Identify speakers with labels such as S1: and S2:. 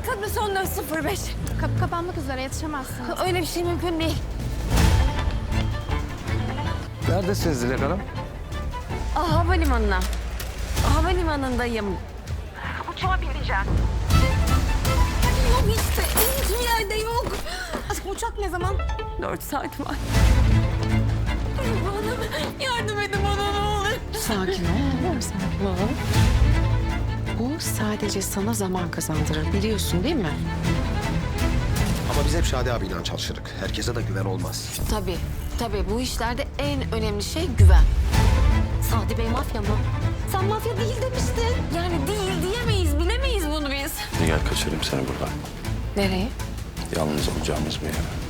S1: Kıbrıs 14.05.
S2: Kapı kapanmak üzere, yetişemezsiniz.
S1: Öyle bir şey mümkün değil.
S3: Neredesiniz Dilek Hanım?
S1: Havalimanına. Havalimanındayım. Uçağa bineceğim. Yok işte. Hiçbir yerde yok.
S2: Aşkım uçak ne zaman?
S1: 4 saat var. Hanım yardım edin bana ne olur.
S4: Sakin ol. Sakin ol. Bu sadece sana zaman kazandırır, biliyorsun değil mi?
S5: Ama biz hep Şadi abiyle çalışırız. Herkese de güven olmaz.
S1: Tabii bu işlerde en önemli şey güven. Sadi Bey mafya mı? Sen mafya değil demiştin. Yani değil diyemeyiz, bilemeyiz bunu biz.
S3: Gel kaçırayım seni buradan.
S1: Nereye?
S3: Yalnız olacağımız bir yere.